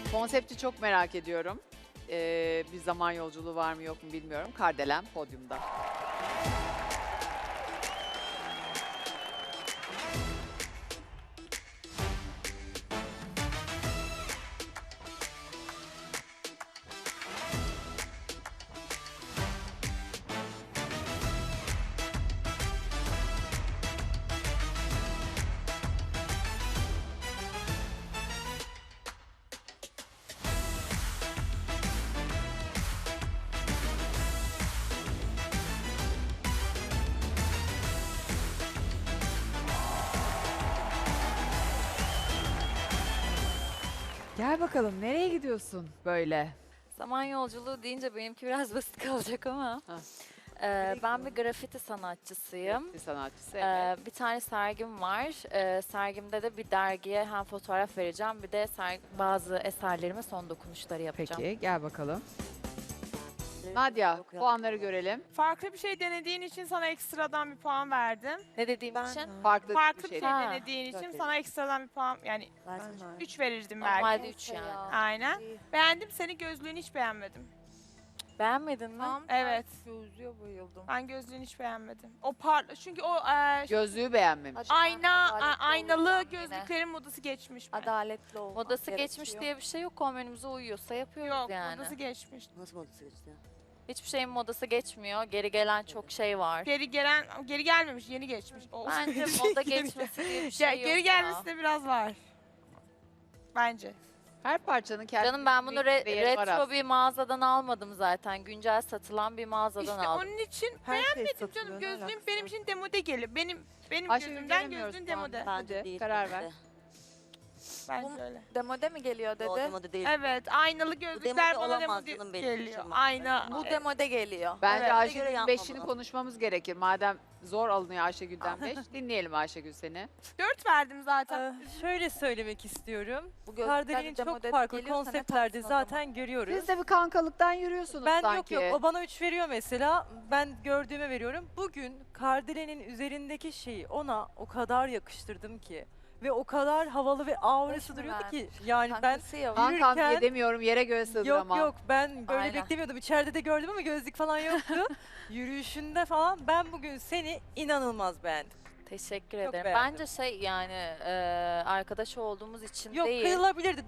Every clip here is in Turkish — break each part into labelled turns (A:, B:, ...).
A: Konsepti çok merak ediyorum. Bir zaman yolculuğu var mı yok mu bilmiyorum. Kardelen podyumda. Gel bakalım nereye gidiyorsun böyle?
B: Zaman yolculuğu deyince benimki biraz basit kalacak ama.
A: Ha.
B: Ben bir grafiti sanatçısıyım.
A: Bir sanatçısı, evet.
B: Bir tane sergim var. Sergimde de bir dergiye hem fotoğraf vereceğim bir de bazı eserlerime son dokunuşları yapacağım.
A: Peki gel bakalım. Nadia puanları görelim.
C: Farklı bir şey denediğin için sana ekstradan bir puan verdim.
B: Ne dediğim için?
A: Farklı,
C: Farklı
A: bir
C: bir
A: şey.
C: şey
B: Ha.
C: denediğin için sana ekstradan bir puan yani 3 verirdim belki.
B: Normalde 3 yani.
C: Aynen. Beğendim seni, gözlüğünü hiç beğenmedim.
B: Beğenmedin mi?
C: Evet.
D: Gözlüğe bayıldım.
C: Ben gözlüğünü hiç beğenmedim. O çünkü o
A: Gözlüğü beğenmemiş.
C: aynalı gözlüklerin modası geçmiş.
D: Adaletli olmak
B: Modası geçmiş
D: gerekiyor.
B: diye bir şey yok. Kombinimize uyuyorsa yapıyoruz
C: Yok,
B: yani.
C: modası geçmiş.
E: Nasıl modası geçti?
B: Hiçbir şeyin modası geçmiyor. Geri gelen çok şey var.
C: Geri gelmemiş, yeni geçmiş. O
B: Bence moda geçmesi diye bir şey yok
C: geri
B: ya.
C: gelmesi de biraz var. Bence.
A: Her parçanın kendi
B: Canım ben bunu
A: değeri var
B: retro
A: aslında.
B: bir mağazadan almadım zaten. Güncel satılan bir mağazadan
C: İşte
B: aldım.
C: onun için
D: Her şey
C: beğenmedim
D: satılıyor,
C: canım.
D: ne
C: Gözlüğüm
D: alakası
C: benim
D: var?
C: için demode geliyor. Benim
A: Ayşegül,
C: gözümden
A: göremiyoruz
C: gözlüğün
A: şu anda.
C: demode.
E: Bence
A: Hadi,
E: değil.
A: karar ver.
C: Bence öyle.
D: Demode mi geliyor
E: O
D: dedi?
E: demode değil.
C: Evet, aynalı gözlükler bana
E: olamaz
C: demode
E: canım benim
C: geliyor.
E: için.
C: Ayna.
D: Bu demode geliyor.
A: Bence
C: Evet.
A: Ayşegül'ün
E: Göre yapma
A: 5'ini
E: bunu.
A: konuşmamız gerekir. Madem zor alınıyor Ayşegül'den 5. Dinleyelim Ayşegül seni.
C: 4 verdim zaten.
F: Şöyle söylemek istiyorum.
D: Bu gözlükler
F: Kardelen'in çok
D: demode
F: farklı
D: geliyorsa ne
F: konseptlerde
D: tatsın o zaman?
F: zaten görüyoruz.
A: Siz de bir kankalıktan yürüyorsunuz
F: Ben
A: sanki.
F: yok o bana 3 veriyor mesela. Ben gördüğüme veriyorum. Bugün Kardelen'in üzerindeki şeyi ona o kadar yakıştırdım ki. Ve o kadar havalı ve aurası
D: mı
F: duruyordu
D: verdin?
F: ki. Yani ben
D: Kankası ya.
A: Kankam diye
F: yürürken-
A: demiyorum yere göğe
F: yok
A: sığdıramam.
F: yok ben böyle
B: Aynen.
F: beklemiyordum. İçeride de gördüm ama gözlük falan yoktu. Yürüyüşünde falan ben bugün seni inanılmaz beğendim.
B: Teşekkür
F: Çok
B: ederim.
F: beğendim.
B: Bence yani arkadaş olduğumuz için
F: Yok
B: değil.
F: kıyılabilirdi.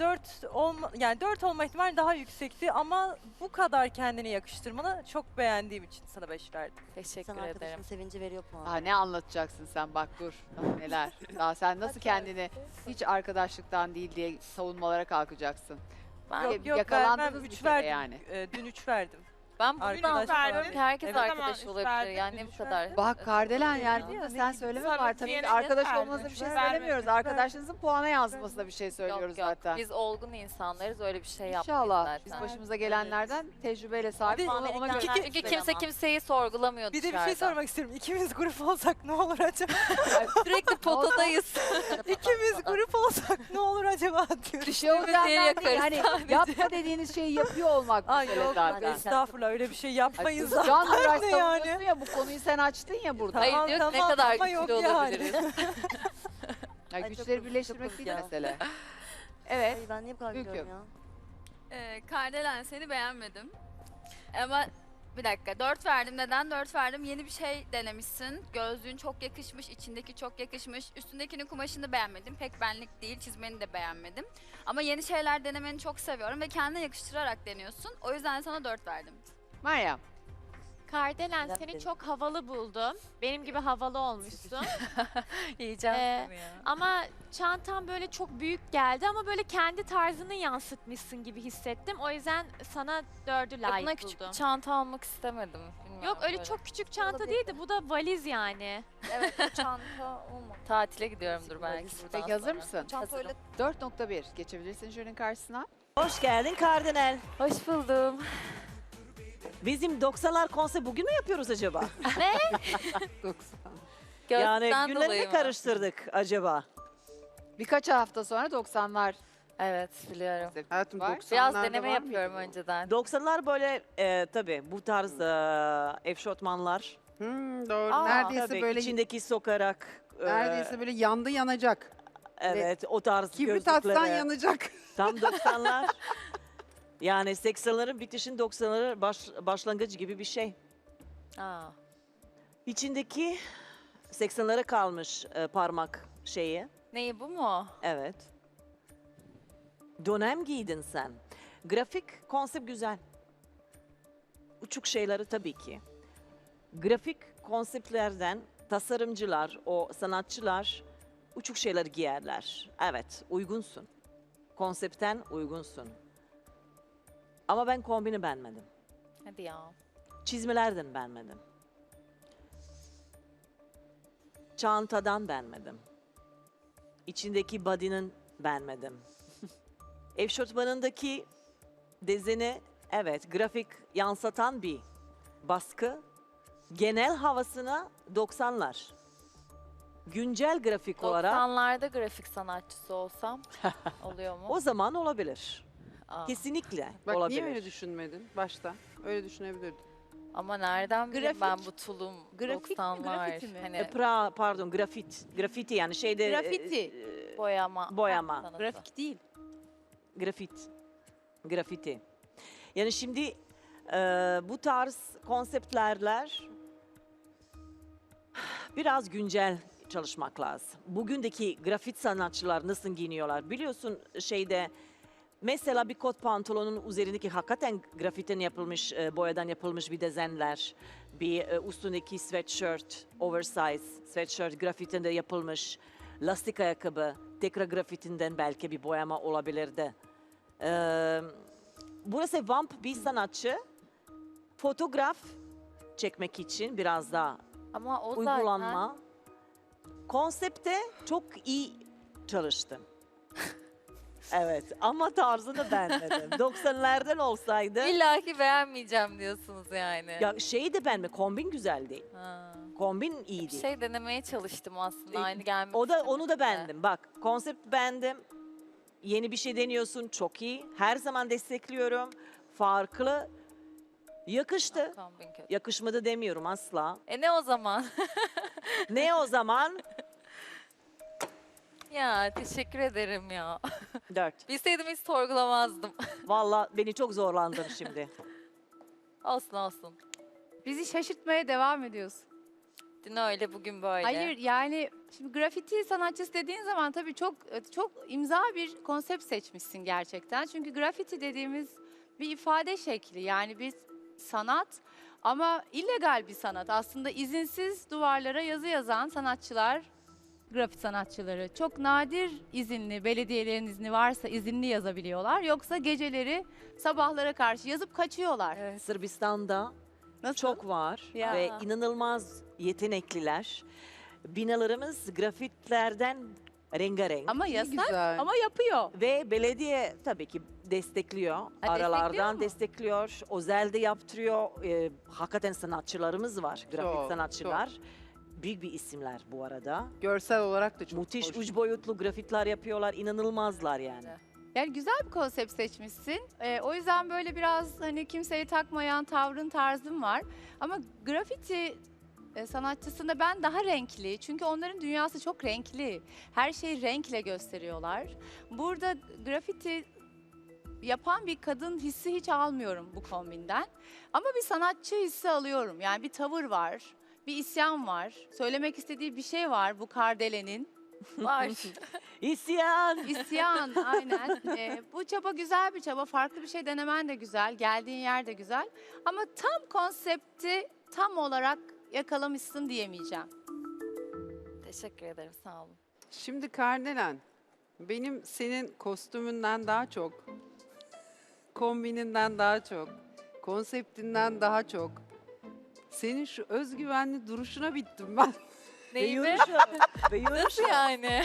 F: 4 olma ihtimali daha yüksekti ama bu kadar kendini yakıştırmanı çok beğendiğim için sana 5 verdim.
B: Teşekkür
E: Sen
B: ederim.
E: arkadaşın sevinci veriyor puan.
A: Daha ne anlatacaksın sen bak dur. Daha neler. Daha sen nasıl kendini hiç arkadaşlıktan değil diye savunmalara kalkacaksın.
B: Ben,
F: Yok yok
A: yakalandınız
F: ben
A: bir
F: 3
A: kere
F: verdim.
A: yani.
F: Dün 3 verdim.
B: ben buradan
F: Arkadaş
B: anlıyorum
C: verdin.
B: ki herkes
F: Evet.
B: arkadaş
C: Tamam,
B: olabilir.
C: verdin,
B: Yani ne bu
C: üç
B: kadar.
A: Bak Kardelen yani
F: Ya,
A: değil mi?
F: ne
A: Sen
F: bileyim.
A: söyleme
C: Sana
A: var. Tabii
C: diyene
A: ki arkadaş
C: verdim.
A: olmanıza bir şey
C: Vermedim.
A: söylemiyoruz. Arkadaşınızın puana yansımasına bir şey söylüyoruz
B: Yok, yok.
A: zaten.
B: Biz olgun insanlarız öyle bir şey yapmayız
A: İnşallah.
B: zaten.
A: Biz başımıza gelenlerden tecrübeyle sahip
F: Bir de
A: ona göre.
E: Amerikan-
B: Çünkü kimse kimseyi sorgulamıyor
F: Bir de bir
B: dışarıda.
F: şey sormak istiyorum. İkimiz grup olsak ne olur acaba?
B: Sürekli potadayız.
F: İkimiz grup olsak ne olur acaba diyorum.
A: Bir şey olacağından değil.
B: yakarız
A: Hani
B: sadece.
A: yapma dediğiniz şeyi yapıyor olmak
F: Ay
A: mesele
F: yok
A: zaten.
F: estağfurullah öyle bir şey
A: Ay
F: yapmayın
A: kız,
F: zaten.
A: Can Duraş
F: ne
A: savunuyorsun
F: yani?
A: ya bu konuyu sen açtın ya burada.
B: Hayır
F: Tamam,
B: diyor ki ne
F: tamam,
B: kadar
F: ama
B: güçlü
F: yok yani.
B: olabiliriz.
A: Yani
E: Ay,
A: güçleri
E: çok
A: birleştirmek
E: çok
A: değil
E: ya.
A: mesele. Evet.
E: Ay, ben niye bu kadar
A: Hüküm.
E: gülüyorum ya?
G: Kardelen seni beğenmedim. Ama bir dakika 4 verdim. Neden 4 verdim? Yeni bir şey denemişsin. Gözlüğün çok yakışmış, içindeki çok yakışmış. Üstündekinin kumaşını beğenmedim. Pek benlik değil, çizmeni de beğenmedim. Ama yeni şeyler denemeni çok seviyorum ve kendine yakıştırarak deniyorsun. O yüzden sana 4 verdim.
A: Meryem.
H: Kardelen
E: Neden
H: seni
E: benim?
H: çok havalı buldum. Benim gibi havalı olmuşsun.
B: Yiyeceğim
H: Ee,
B: seni ya.
H: Ama çantan böyle çok büyük geldi ama böyle kendi tarzını yansıtmışsın gibi hissettim. O yüzden sana 4'ü
B: Buna
H: layık
B: küçük
H: buldum.
B: bir çanta almak istemedim. Bilmiyorum
H: Yok öyle
B: böyle.
H: çok küçük çanta
D: Olabilir.
H: değildi. Bu da valiz yani.
D: Evet o çanta olmadı.
B: Tatile gidiyorumdur belki buradan
A: Peki hazır
B: sonra.
A: mısın?
D: Çanta öyle
A: 4.1 geçebilirsin jürinin karşısına.
I: Hoş geldin Kardinal.
B: Hoş buldum.
I: Bizim 90'lar konseri bugün mü yapıyoruz acaba? Yani
B: Gözlükten
I: günleri
B: dolayı
I: mi
B: mı?
I: karıştırdık acaba?
A: Birkaç hafta sonra 90'lar
B: Evet biliyorum.
A: Hayatım var.
B: Biraz deneme yapıyorum önceden.
I: 90'lar böyle tabii bu tarz eşofmanlar.
J: Doğru.
B: Aa,
J: neredeyse
I: Tabii
J: böyle
I: içindeki sokarak.
J: neredeyse böyle yandı yanacak.
I: Evet, o tarz
A: Kibrit atsan
I: gözlükleri.
A: yanacak.
I: Tam 90'lar. Yani 80'lerin bitişin 90'ların başlangıcı gibi bir şey.
B: Aa,
I: İçindeki 80'lere kalmış parmak şeyi.
B: neyi bu mu?
I: Evet. Dönem giydin sen. Grafik konsept güzel. Uçuk şeyleri tabii ki. Grafik konseptlerden tasarımcılar, o sanatçılar uçuk şeyler giyerler. Evet, uygunsun. Konseptten uygunsun. Ama ben kombini beğenmedim.
B: Hadi ya.
I: Çizmelerden beğenmedim. Çantadan beğenmedim. İçindeki body'nin beğenmedim. Eşofmanındaki dizini, evet, grafik yansıtan bir baskı. Genel havasına 90'lar. Güncel grafik olarak
B: 90'larda grafik sanatçısı olsam oluyor mu?
I: o zaman olabilir.
B: Aa,
I: Kesinlikle
A: Bak
I: olabilir.
A: niye öyle düşünmedin başta? Öyle düşünebilirdin.
B: ama nereden bileyim ben
A: Grafik-
B: bu tulum
A: grafik mi,
B: 90'lar.
A: grafiti mi?
B: Hani
I: Pardon, grafiti yani şeyde
A: Grafiti.
B: boyama.
I: boyama.
B: sanatı.
A: Grafik değil.
I: Grafiti. Yani şimdi bu tarz konseptlerler biraz güncel çalışmak lazım. Bugündeki grafit sanatçılar nasıl giyiniyorlar? Biliyorsun şeyde mesela bir kot pantolonun üzerindeki hakikaten grafitten yapılmış, boyadan yapılmış bir desenler, bir üstündeki sweatshirt, oversize sweatshirt grafitinde yapılmış, lastik ayakkabı, tekrar grafitinden belki bir boyama olabilirdi. Burası vamp bir sanatçı, fotoğraf çekmek için biraz daha
B: Ama o
I: uygulanma. Konsepte çok iyi çalıştım. Evet ama tarzını beğenmedim. 90'lerden olsaydı
B: zaten İlla ki beğenmeyeceğim diyorsunuz yani.
I: ya şeyi de beğenme, kombin güzel değil.
B: Ha.
I: Kombin
B: Bir
I: iyiydi.
B: şey denemeye çalıştım aslında.
I: E,
B: Aynı gelmek
I: Onu da
B: istemedi.
I: beğendim. Bak konsept beğendim. Yeni bir şey deniyorsun, çok iyi. Her zaman destekliyorum. Farklı. Yakıştı.
B: Kombin kötü.
I: Yakışmadı demiyorum asla.
B: Ne o zaman?
I: Ne o zaman?
B: Ya teşekkür ederim ya.
I: 4.
B: Bilseydim hiç sorgulamazdım.
I: Valla beni çok zorlandın şimdi.
B: Olsun olsun.
J: Bizi şaşırtmaya devam ediyorsun.
B: Dün öyle bugün böyle.
J: Hayır yani şimdi grafiti sanatçısı dediğin zaman tabii çok imza bir konsept seçmişsin gerçekten. Çünkü grafiti dediğimiz bir ifade şekli yani bir sanat ama illegal bir sanat. Aslında izinsiz duvarlara yazı yazan sanatçılar, grafiti sanatçıları çok nadir izinli, belediyelerin izni varsa izinli yazabiliyorlar. Yoksa geceleri sabahlara karşı yazıp kaçıyorlar.
B: Evet.
I: Sırbistan'da
J: Nasıl?
I: çok var
J: Ya.
I: ve inanılmaz yetenekliler. Binalarımız grafitlerden rengarenk.
J: Ama yasak
A: Güzel.
J: ama yapıyor.
I: Ve belediye tabii ki destekliyor. Aralardan
J: destekliyor mu?
I: destekliyor. Özel de yaptırıyor. Hakikaten sanatçılarımız var. Grafik
A: Çok,
I: sanatçılar. Büyük bir isimler bu arada.
A: Görsel olarak da çok
I: Müthiş
A: hoş.
I: üç boyutlu grafitler yapıyorlar. İnanılmazlar yani.
J: Yani güzel bir konsept seçmişsin. O yüzden böyle biraz hani kimseyi takmayan tavrın tarzın var. Ama grafiti sanatçısında ben daha renkli. Çünkü onların dünyası çok renkli. Her şeyi renkle gösteriyorlar. Burada grafiti yapan bir kadın hissi hiç almıyorum bu kombinden. Ama bir sanatçı hissi alıyorum. Yani bir tavır var, bir isyan var. Söylemek istediği bir şey var bu Kardele'nin.
B: Var.
I: İsyan!
J: İsyan aynen. Bu çaba güzel bir çaba. Farklı bir şey denemen de güzel. Geldiğin yer de güzel. Ama tam konsepti tam olarak yakalamışsın diyemeyeceğim.
B: Teşekkür ederim sağ olun.
A: Şimdi Kardelen, benim senin kostümünden daha çok, kombininden daha çok, konseptinden daha çok, senin şu özgüvenli duruşuna bittim ben.
B: Neyi mi?
I: Ve yürüyüşü.
B: Nasıl yani?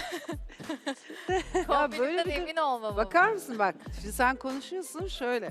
B: Kombininden
A: bir-
B: emin olmamam.
A: Bakar mısın bak, şimdi sen konuşuyorsun şöyle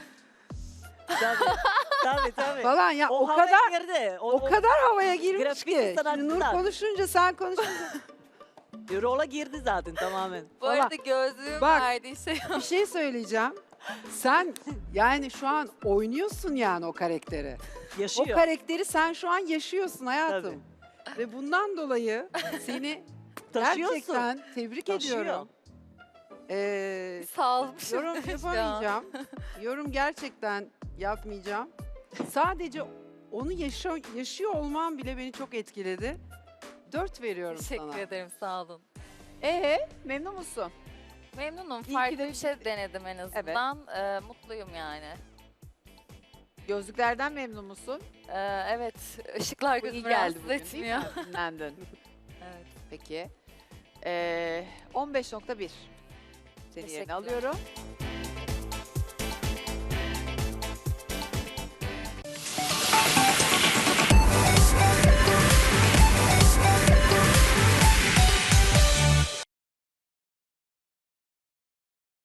I: Tabii.
A: falan ya o
I: havaya
A: kadar
I: girdi.
A: o kadar havaya girmiş
I: Grafik
A: ki.
I: sanatçılar.
A: Şimdi Nur konuşunca sen konuşunca
I: Rola girdi zaten tamamen.
B: Bu arada gözlüğüm
A: Bak.
B: verdiği şey
A: bir şey söyleyeceğim. Sen yani şu an oynuyorsun yani o karakteri.
I: Yaşıyor.
A: O karakteri sen şu an yaşıyorsun hayatım. Ve bundan dolayı seni
I: Taşıyorsun.
K: Gerçekten tebrik
I: Taşıyor.
K: ediyorum.
B: Sağ ol.
K: Yorum yapamayacağım. Yorum gerçekten yapmayacağım. Sadece onu yaşıyor olmam bile beni çok etkiledi. 4 veriyorum
B: Teşekkür
K: sana.
B: ederim, sağ olun.
A: Memnun musun?
B: Memnunum.
A: İyi ki
B: Farklı
A: de-
B: bir şey denedim en azından. Mutluyum yani.
A: Gözlüklerden memnun musun?
B: Evet, ışıklar
A: Bu iyi
B: gözümü
A: geldi
B: rahatsız
A: bugün
B: etmiyor.
A: değil mi? Dinlendin.
B: Evet.
A: Peki. 15.1. Seni yerine
B: Teşekkürler.
A: alıyorum.